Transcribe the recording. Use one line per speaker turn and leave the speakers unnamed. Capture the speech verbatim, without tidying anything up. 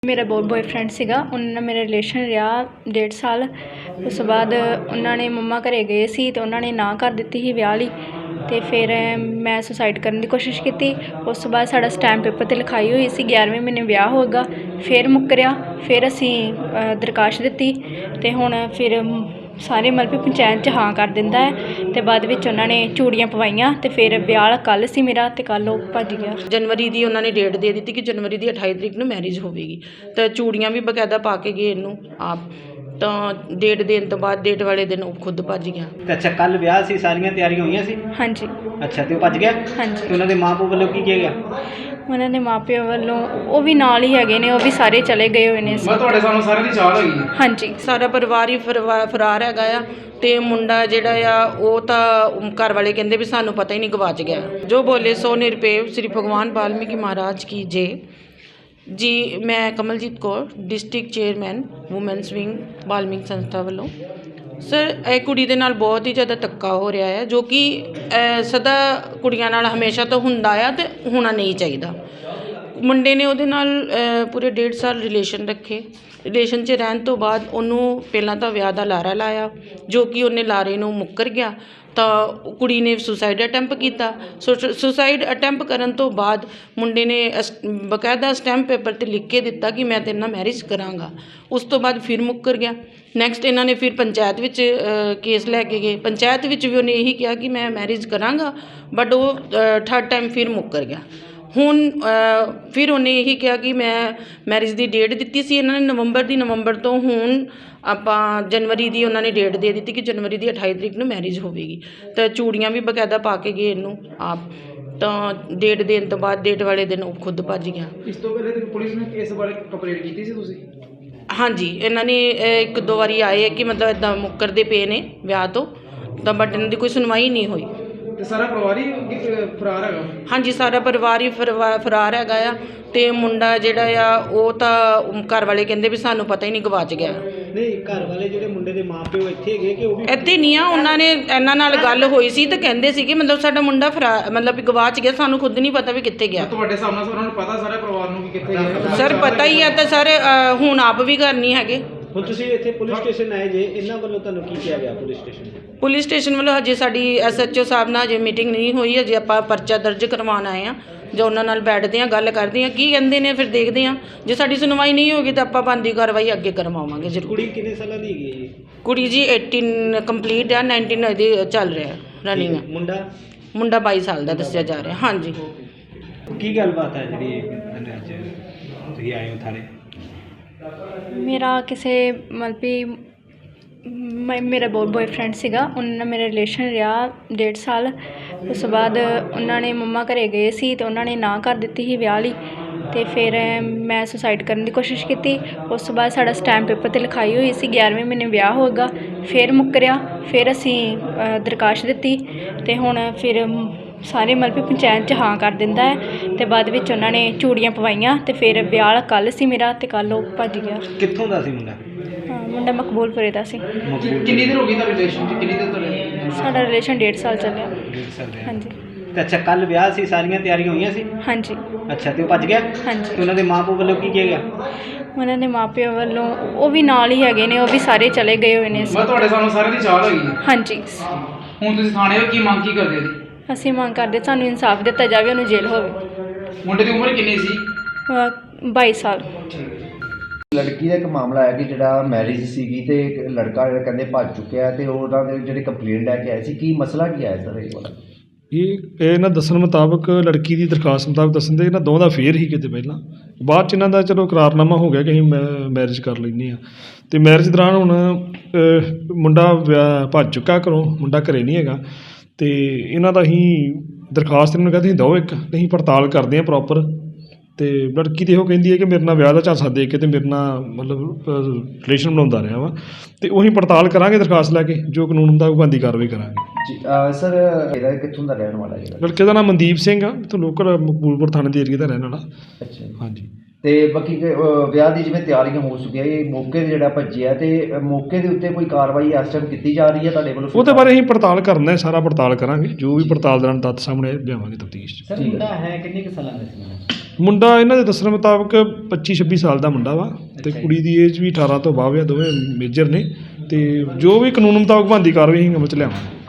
ਮੇਰਾ ਬੋ ਬੋਏਫਰੈਂਡ ਸੀਗਾ, ਉਹਨਾਂ ਨਾਲ ਮੇਰਾ ਰਿਲੇਸ਼ਨ ਰਿਹਾ ਡੇਢ ਸਾਲ। ਉਸ ਤੋਂ ਬਾਅਦ ਉਹਨਾਂ ਨੇ ਮੰਮਾ ਘਰ ਗਏ ਸੀ ਅਤੇ ਉਹਨਾਂ ਨੇ ਨਾਂਹ ਕਰ ਦਿੱਤੀ ਸੀ ਵਿਆਹ ਲਈ। ਅਤੇ ਫਿਰ ਮੈਂ ਸੁਸਾਈਡ ਕਰਨ ਦੀ ਕੋਸ਼ਿਸ਼ ਕੀਤੀ। ਉਸ ਤੋਂ ਬਾਅਦ ਸਾਡਾ ਸਟੈਂਪ ਪੇਪਰ 'ਤੇ ਲਿਖਾਈ ਹੋਈ ਸੀ ਗਿਆਰ੍ਹਵੇਂ ਮਹੀਨੇ ਵਿਆਹ ਹੋਏਗਾ। ਫਿਰ ਮੁੱਕਰਿਆ, ਫਿਰ ਅਸੀਂ ਦਰਖਾਸਤ ਦਿੱਤੀ ਅਤੇ ਹੁਣ ਫਿਰ ਸਾਰੇ ਮਤਲਬ ਕਿ ਪੰਚਾਇਤ 'ਚ ਹਾਂ ਕਰ ਦਿੰਦਾ ਹੈ ਅਤੇ ਬਾਅਦ ਵਿੱਚ ਉਹਨਾਂ ਨੇ ਚੂੜੀਆਂ ਪਵਾਈਆਂ ਅਤੇ ਫਿਰ ਵਿਆਹ ਕੱਲ੍ਹ ਸੀ ਮੇਰਾ ਅਤੇ ਕੱਲ੍ਹ ਉਹ ਭੱਜ ਗਿਆ।
ਜਨਵਰੀ ਦੀ ਉਹਨਾਂ ਨੇ ਡੇਟ ਦੇ ਦਿੱਤੀ ਕਿ ਜਨਵਰੀ ਦੀ ਅਠਾਈ ਤਰੀਕ ਨੂੰ ਮੈਰਿਜ ਹੋਵੇਗੀ, ਤਾਂ ਚੂੜੀਆਂ ਵੀ ਬਕਾਇਦਾ ਪਾ ਕੇ ਗਏ ਇਹਨੂੰ ਆਪ। ਤਾਂ ਡੇਟ ਦੇਣ ਤੋਂ ਬਾਅਦ ਡੇਟ ਵਾਲੇ ਦਿਨ ਉਹ ਖੁਦ ਭੱਜ ਗਿਆ।
ਤੇ ਅੱਛਾ, ਕੱਲ੍ਹ ਵਿਆਹ ਸੀ, ਸਾਰੀਆਂ ਤਿਆਰੀਆਂ ਹੋਈਆਂ ਸੀ?
ਹਾਂਜੀ।
ਅੱਛਾ, ਤੇ ਉਹ ਭੱਜ ਗਿਆ?
ਹਾਂਜੀ।
ਤੇ ਉਹਨਾਂ ਦੇ ਮਾਂ ਪਿਓ ਵੱਲੋਂ ਕੀ ਕਿਹਾ ਗਿਆ?
ਉਹਨਾਂ ਦੇ ਮਾਂ ਪਿਓ ਵੱਲੋਂ ਉਹ ਵੀ ਨਾਲ ਹੀ ਹੈਗੇ ਨੇ, ਉਹ ਵੀ ਸਾਰੇ ਚਲੇ ਗਏ ਹੋਏ ਨੇ।
ਮੈਂ ਤੁਹਾਡੇ ਸਾਹਮਣੇ ਸਾਰਿਆਂ ਦੀ ਚਾਲ ਹੈਗੀ ਹੈ।
ਹਾਂਜੀ।
ਸਾਰਾ ਪਰਿਵਾਰ ਹੀ ਫਰਵਾ ਫਰਾਰ ਹੈਗਾ ਆ ਅਤੇ ਮੁੰਡਾ ਜਿਹੜਾ ਆ ਉਹ ਤਾਂ ਘਰ ਵਾਲੇ ਕਹਿੰਦੇ ਵੀ ਸਾਨੂੰ ਪਤਾ ਹੀ ਨਹੀਂ ਗਵਾਚ ਗਿਆ। ਜੋ ਬੋਲੇ ਸੋ ਨਿਰਪੇਵ ਸ੍ਰੀ ਭਗਵਾਨ ਵਾਲਮੀਕੀ ਮਹਾਰਾਜ ਕੀ ਜੈ ਜੀ। ਮੈਂ Kamaljit Kaur, district chairman women's wing Valmik ਸੰਸਥਾ ਵੱਲੋਂ। ਸਰ, ਇਹ ਕੁੜੀ ਦੇ ਨਾਲ ਬਹੁਤ ਹੀ ਜ਼ਿਆਦਾ ਧੱਕਾ ਹੋ ਰਿਹਾ ਹੈ, ਜੋ ਕਿ ਸਦਾ ਕੁੜੀਆਂ ਨਾਲ ਹਮੇਸ਼ਾ ਤੋਂ ਹੁੰਦਾ ਆ ਅਤੇ ਹੋਣਾ ਨਹੀਂ ਚਾਹੀਦਾ। ਮੁੰਡੇ ਨੇ ਉਹਦੇ ਨਾਲ ਪੂਰੇ ਡੇਢ ਸਾਲ ਰਿਲੇਸ਼ਨ ਰੱਖੇ। ਰਿਲੇਸ਼ਨ 'ਚ ਰਹਿਣ ਤੋਂ ਬਾਅਦ ਉਹਨੂੰ ਪਹਿਲਾਂ ਤਾਂ ਵਿਆਹ ਦਾ ਲਾਰਾ ਲਾਇਆ, ਜੋ ਕਿ ਉਹਨੇ ਲਾਰੇ ਨੂੰ ਮੁੱਕਰ ਗਿਆ। ਤਾਂ ਕੁੜੀ ਨੇ ਸੁਸਾਈਡ ਅਟੈਂਪ ਕੀਤਾ। ਸੁਸਾਈਡ ਅਟੈਂਪ ਕਰਨ ਤੋਂ ਬਾਅਦ ਮੁੰਡੇ ਨੇ ਅਸ ਬਕਾਇਦਾ ਸਟੈਂਪ ਪੇਪਰ 'ਤੇ ਲਿਖ ਕੇ ਦਿੱਤਾ ਕਿ ਮੈਂ ਤੇਰੇ ਨਾਲ ਮੈਰਿਜ ਕਰਾਂਗਾ। ਉਸ ਤੋਂ ਬਾਅਦ ਫਿਰ ਮੁੱਕਰ ਗਿਆ। ਨੈਕਸਟ ਇਹਨਾਂ ਨੇ ਫਿਰ ਪੰਚਾਇਤ ਵਿੱਚ ਕੇਸ ਲੈ ਕੇ ਗਏ। ਪੰਚਾਇਤ ਵਿੱਚ ਵੀ ਉਹਨੇ ਇਹੀ ਕਿਹਾ ਕਿ ਮੈਂ ਮੈਰਿਜ ਕਰਾਂਗਾ, ਬਟ ਉਹ ਥਰਡ ਟਾਈਮ ਫਿਰ ਮੁੱਕਰ ਗਿਆ। ਹੁਣ ਫਿਰ ਉਹਨੇ ਇਹੀ ਕਿਹਾ ਕਿ ਮੈਂ ਮੈਰਿਜ ਦੀ ਡੇਟ ਦਿੱਤੀ ਸੀ ਇਹਨਾਂ ਨੇ ਨਵੰਬਰ ਦੀ, ਨਵੰਬਰ ਤੋਂ ਹੁਣ ਆਪਾਂ ਜਨਵਰੀ ਦੀ ਉਹਨਾਂ ਨੇ ਡੇਟ ਦੇ ਦਿੱਤੀ ਕਿ ਜਨਵਰੀ ਦੀ ਅਠਾਈ ਤਰੀਕ ਨੂੰ ਮੈਰਿਜ ਹੋਵੇਗੀ। ਤਾਂ ਚੂੜੀਆਂ ਵੀ ਬਕਾਇਦਾ ਪਾ ਕੇ ਗਏ ਇਹਨੂੰ ਆਪ। ਤਾਂ ਡੇਟ ਦੇਣ ਤੋਂ ਬਾਅਦ ਡੇਟ ਵਾਲੇ ਦਿਨ ਉਹ ਖੁਦ ਭੱਜ ਗਿਆ।
ਇਸ ਤੋਂ ਪਹਿਲੇ ਤੇ ਪੁਲਿਸ ਨੇ ਇਸ ਬਾਰੇ ਕੰਪਲੇਂਟ ਕੀਤੀ ਸੀ ਤੁਸੀਂ?
ਹਾਂਜੀ, ਇਹਨਾਂ ਨੇ ਇੱਕ ਦੋ ਵਾਰੀ ਆਏ ਕਿ ਮਤਲਬ ਇੱਦਾਂ ਮੁੱਕਰਦੇ ਪਏ ਨੇ ਵਿਆਹ ਤੋਂ, ਤਾਂ ਬਟ ਇਹਨਾਂ ਦੀ ਕੋਈ ਸੁਣਵਾਈ ਨਹੀਂ ਹੋਈ।
ਤੇ ਸਾਰਾ ਪਰਿਵਾਰ ਹੀ ਫਰਾਰ ਹੈਗਾ?
ਹਾਂਜੀ, ਸਾਰਾ ਪਰਿਵਾਰ ਹੀ ਫਰਵਾ ਫਰਾਰ ਹੈਗਾ ਆ ਅਤੇ ਮੁੰਡਾ ਜਿਹੜਾ ਆ ਉਹ ਤਾਂ ਘਰ ਵਾਲੇ ਕਹਿੰਦੇ ਵੀ ਸਾਨੂੰ ਪਤਾ ਹੀ ਨਹੀਂ ਗਵਾਚ ਗਿਆ।
ਨਹੀਂ, ਘਰ ਵਾਲੇ ਜਿਹੜੇ ਮੁੰਡੇ ਦੇ ਮਾਂ ਪਿਓ ਇੱਥੇ ਹੈਗੇ ਕਿ ਉਹ ਵੀ?
ਇੱਥੇ ਨਹੀਂ ਆ। ਉਹਨਾਂ ਨੇ ਇਹਨਾਂ ਨਾਲ ਗੱਲ ਹੋਈ ਸੀ ਤਾਂ ਕਹਿੰਦੇ ਸੀ ਕਿ ਮਤਲਬ ਸਾਡਾ ਮੁੰਡਾ ਫਰਾ ਮਤਲਬ ਵੀ ਗਵਾਚ ਗਿਆ, ਸਾਨੂੰ ਖੁਦ ਨਹੀਂ ਪਤਾ ਵੀ ਕਿੱਥੇ ਗਿਆ।
ਤੁਹਾਡੇ ਸਾਹਮਣੇ ਉਹਨਾਂ ਨੂੰ ਪਤਾ ਸਾਰੇ ਪਰਿਵਾਰ ਨੂੰ ਕਿ ਕਿੱਥੇ ਗਿਆ?
ਸਰ, ਪਤਾ ਹੀ ਆ। ਤਾਂ ਸਰ ਹੁਣ ਆਪ ਵੀ ਘਰ ਨਹੀਂ ਹੈਗੇ।
ਹੁਣ ਤੁਸੀਂ ਇੱਥੇ ਪੁਲਿਸ ਸਟੇਸ਼ਨ ਆਏ ਜੇ, ਇਹਨਾਂ ਵੱਲੋਂ ਤੁਹਾਨੂੰ ਕੀ ਕਿਹਾ ਗਿਆ ਪੁਲਿਸ ਸਟੇਸ਼ਨ?
ਪੁਲਿਸ ਸਟੇਸ਼ਨ ਵੱਲੋਂ ਹਜੇ ਸਾਡੀ ਐਸ ਐਚ ਓ ਸਾਹਿਬ ਨਾਲ ਹਜੇ ਮੀਟਿੰਗ ਨਹੀਂ ਹੋਈ। ਹਜੇ ਆਪਾਂ ਪਰਚਾ ਦਰਜ ਕਰਵਾਉਣ ਆਏ ਹਾਂ, ਜੋ ਉਹਨਾਂ ਨਾਲ ਬੈਠਦੇ ਹਾਂ, ਗੱਲ ਕਰਦੇ ਹਾਂ, ਕੀ ਕਹਿੰਦੇ ਨੇ, ਫਿਰ ਦੇਖਦੇ ਹਾਂ। ਜੇ ਸਾਡੀ ਸੁਣਵਾਈ ਨਹੀਂ ਹੋਗੀ ਤਾਂ ਆਪਾਂ ਬਣਦੀ ਕਾਰਵਾਈ ਅੱਗੇ ਕਰਵਾਵਾਂਗੇ ਜ਼ਰੂਰ।
ਕੁੜੀ ਕਿੰਨੇ ਸਾਲਾਂ ਦੀ ਹੈਗੀ ਹੈ ਜੀ?
ਕੁੜੀ ਜੀ ਅਠਾਰਾਂ ਕੰਪਲੀਟ ਆ, ਉਨੱਤੀ ਇਹਦੀ ਚੱਲ ਰਿਹਾ ਰਨਿੰਗ।
ਮੁੰਡਾ?
ਮੁੰਡਾ ਬਾਈ ਸਾਲ ਦਾ ਦੱਸਿਆ ਜਾ ਰਿਹਾ। ਹਾਂਜੀ।
ਕੀ ਗੱਲਬਾਤ ਹੈ ਜਿਹੜੀ ਅੱਜ ਤੁਸੀਂ ਆਏ ਹੋ ਥਾਣੇ?
ਮੇਰਾ ਕਿਸੇ ਮਤਲਬ ਕਿ ਮੈਂ ਮੇਰਾ ਬੋ ਬੋਏਫਰੈਂਡ ਸੀਗਾ, ਉਹਨਾਂ ਨਾਲ ਮੇਰਾ ਰਿਲੇਸ਼ਨ ਰਿਹਾ ਡੇਢ ਸਾਲ। ਉਸ ਤੋਂ ਬਾਅਦ ਉਹਨਾਂ ਨੇ ਮੰਮਾ ਘਰ ਗਏ ਸੀ ਅਤੇ ਉਹਨਾਂ ਨੇ ਨਾਂਹ ਕਰ ਦਿੱਤੀ ਸੀ ਵਿਆਹ ਲਈ। ਅਤੇ ਫਿਰ ਮੈਂ ਸੁਸਾਈਡ ਕਰਨ ਦੀ ਕੋਸ਼ਿਸ਼ ਕੀਤੀ। ਉਸ ਤੋਂ ਬਾਅਦ ਸਾਡਾ ਸਟੈਂਪ ਪੇਪਰ 'ਤੇ ਲਿਖਾਈ ਹੋਈ ਸੀ ਗਿਆਰ੍ਹਵੇਂ ਮਹੀਨੇ ਵਿਆਹ ਹੋਏਗਾ। ਫਿਰ ਮੁੱਕਰਿਆ, ਫਿਰ ਅਸੀਂ ਦਰਖਾਸਤ ਦਿੱਤੀ ਅਤੇ ਹੁਣ ਫਿਰ ਸਾਰੇ ਮਤਲਬ ਕਿ ਪੰਚਾਇਤ 'ਚ ਹਾਂ ਕਰ ਦਿੰਦਾ ਹੈ ਅਤੇ ਬਾਅਦ ਵਿੱਚ ਉਹਨਾਂ ਨੇ ਚੂੜੀਆਂ ਪਵਾਈਆਂ ਅਤੇ ਫਿਰ ਵਿਆਹ ਕੱਲ੍ਹ ਸੀ ਮੇਰਾ ਅਤੇ ਕੱਲ੍ਹ ਉਹ ਭੱਜ ਗਿਆ।
ਕਿੱਥੋਂ ਦਾ ਸੀ ਮੁੰਡਾ?
ਹਾਂ, ਮੁੰਡਾ ਮਕਬੂਲਪੁਰੇ ਦਾ ਸੀ।
ਕਿੰਨੀ ਦੇਰ ਹੋ ਗਈ ਤੁਹਾਡੇ ਰਿਲੇਸ਼ਨ 'ਚ? ਕਿੰਨੀ ਦੇਰ ਤੋਂ ਰਹੇ?
ਸਾਡਾ ਰਿਲੇਸ਼ਨ ਡੇਢ ਸਾਲ ਚੱਲਿਆ।
ਡੇਢ ਸਾਲ ਦੇ?
ਹਾਂਜੀ।
ਤੇ ਅੱਛਾ, ਕੱਲ੍ਹ ਵਿਆਹ ਸੀ, ਸਾਰੀਆਂ ਤਿਆਰੀਆਂ ਹੋਈਆਂ ਸੀ?
ਹਾਂਜੀ।
ਅੱਛਾ, ਤੇ ਉਹ ਭੱਜ ਗਿਆ?
ਹਾਂਜੀ।
ਤੇ ਉਹਨਾਂ ਦੇ ਮਾਂ ਪਿਓ ਵੱਲੋਂ ਕੀ ਕਿਹਾ ਗਿਆ?
ਉਹਨਾਂ ਦੇ ਮਾਂ ਪਿਓ ਵੱਲੋਂ ਉਹ ਵੀ ਨਾਲ ਹੀ ਹੈਗੇ ਨੇ, ਉਹ ਵੀ ਸਾਰੇ ਚਲੇ ਗਏ ਹੋਏ ਨੇ।
ਮੈਂ ਤੁਹਾਡੇ ਸਾਹਮਣੇ ਸਾਰਿਆਂ ਦੀ ਚਾਲ ਹੈਗੀ ਹੈ।
ਹਾਂਜੀ।
ਹੁਣ ਤੁਸੀਂ ਥਾਣੇ ਹੋ, ਕੀ ਮੰਗ ਕੀ ਕਰਦੇ ਜੀ?
ਅਸੀਂ ਮੰਗ ਕਰਦੇ ਸਾਨੂੰ ਇਨਸਾਫ ਦਿੱਤਾ ਜਾਵੇ, ਉਹਨੂੰ ਜੇਲ੍ਹ ਹੋਵੇ।
ਮੁੰਡੇ ਦੀ ਉਮਰ ਕਿੰਨੀ ਸੀ?
ਬਾਈ ਸਾਲ।
ਲੜਕੀ ਦਾ ਇੱਕ ਮਾਮਲਾ ਹੈ ਕਿ ਜਿਹੜਾ ਮੈਰਿਜ ਸੀਗੀ ਤੇ ਇੱਕ ਲੜਕਾ ਜਿਹੜਾ ਕਹਿੰਦੇ ਭੱਜ ਚੁੱਕਿਆ ਤੇ ਉਹਨਾਂ ਦੇ ਜਿਹੜੇ ਕੰਪਲੇਂਟ ਲੈ ਕੇ ਆਏ ਸੀ, ਕੀ ਮਸਲਾ ਕੀ ਆਇਆ ਸਰ ਇਹ ਵਾਲਾ?
ਇਹ ਇਹਨਾਂ ਦੱਸਣ ਮੁਤਾਬਕ ਲੜਕੀ ਦੀ ਦਰਖਾਸਤ ਮੁਤਾਬਕ ਦੱਸਣ ਦੇ ਇਹਨਾਂ ਦੋਵਾਂ ਦਾ ਫੇਰ ਹੀ ਕਿਤੇ ਪਹਿਲਾਂ, ਬਾਅਦ 'ਚ ਇਹਨਾਂ ਦਾ ਚਲੋ ਇਕਰਾਰਨਾਮਾ ਹੋ ਗਿਆ ਕਿ ਅਸੀਂ ਮੈ ਮੈਰਿਜ ਕਰ ਲੈਂਦੇ ਹਾਂ। ਅਤੇ ਮੈਰਿਜ ਦੌਰਾਨ ਹੁਣ ਮੁੰਡਾ ਵਿਆਹ ਭੱਜ ਚੁੱਕਾ ਘਰੋਂ, ਮੁੰਡਾ ਘਰੇ ਨਹੀਂ ਹੈਗਾ। ਅਤੇ ਇਹਨਾਂ ਦਾ ਅਸੀਂ ਦਰਖਾਸਤ ਇਹਨਾਂ ਨੂੰ ਕਹਿੰਦੇ ਦਿਓ ਇੱਕ, ਅਸੀਂ ਪੜਤਾਲ ਕਰਦੇ ਹਾਂ ਪ੍ਰੋਪਰ। ਅਤੇ ਲੜਕੀ ਤਾਂ ਇਹੋ ਕਹਿੰਦੀ ਹੈ ਕਿ ਮੇਰੇ ਨਾਲ ਵਿਆਹ ਦਾ ਝਾਂਸਾ ਦੇ ਕੇ ਅਤੇ ਮੇਰੇ ਨਾਲ ਮਤਲਬ ਰਿਲੇਸ਼ਨ ਬਣਾਉਂਦਾ ਰਿਹਾ ਵਾ। ਅਤੇ ਉਹੀ ਪੜਤਾਲ ਕਰਾਂਗੇ ਦਰਖਾਸਤ ਲੈ ਕੇ, ਜੋ ਕਾਨੂੰਨ ਹੁੰਦਾ ਉਹ ਬਣਦੀ ਕਾਰਵਾਈ ਕਰਾਂਗੇ
ਜੀ। ਸਰ ਇਹਦਾ ਕਿੱਥੋਂ ਦਾ ਰਹਿਣ ਵਾਲਾ ਜਿਹੜਾ?
ਲੜਕੇ ਦਾ ਨਾਮ ਮਨਦੀਪ ਸਿੰਘ ਆ, ਇੱਥੋਂ ਲੋਕਲ ਮਕਬੂਲਪੁਰ ਥਾਣੇ ਦੇ ਏਰੀਏ ਦਾ ਰਹਿਣ ਵਾਲਾ।
ਅੱਛਾ।
ਹਾਂਜੀ।
ਤੇ ਬਾਕੀ ਕਿ, ਅਹ, ਵਿਆਹ ਦੀ ਜਿਵੇਂ ਤਿਆਰੀਆਂ ਹੋ ਚੁੱਕੀਆਂ ਇਹ ਮੌਕੇ ਤੇ ਜਿਹੜਾ ਭੱਜਿਆ ਤੇ ਅਹ, ਮੌਕੇ ਦੇ ਉੱਤੇ ਕੋਈ ਕਾਰਵਾਈ ਇਸ ਟਾਈਮ ਕੀਤੀ ਜਾ ਰਹੀ ਹੈ ਤੁਹਾਡੇ ਵੱਲੋਂ?
ਉਹਦੇ ਬਾਰੇ ਅਸੀਂ ਪੜਤਾਲ ਕਰਨਾ ਹੈ, ਸਾਰਾ ਪੜਤਾਲ ਕਰਾਂਗੇ, ਜੋ ਵੀ ਪੜਤਾਲ ਦੌਰਾਨ ਤੱਥ ਸਾਹਮਣੇ ਲਿਆਵਾਂਗੇ ਤਫਤੀਸ਼ 'ਚ।
ਸਰ ਮੁੰਡਾ ਹੈ ਕਿੰਨੇ ਕੁ ਸਾਲਾਂ ਦਾ ਸੀ?
ਮੁੰਡਾ ਇਹਨਾਂ ਦੇ ਦੱਸਣ ਮੁਤਾਬਕ ਪੱਚੀ ਛੱਬੀ ਸਾਲ ਦਾ ਮੁੰਡਾ ਵਾ ਤੇ ਕੁੜੀ ਦੀ ਏਜ ਵੀ ਅਠਾਰਾਂ ਤੋਂ ਬਾਅਦ ਆ, ਦੋਵੇਂ ਮੇਜਰ ਨੇ ਤੇ ਜੋ ਵੀ ਕਾਨੂੰਨ ਮੁਤਾਬਕ ਬਣਦੀ ਕਾਰਵਾਈ ਅਸੀਂ ਅਮਲ 'ਚ ਲਿਆਵਾਂਗੇ।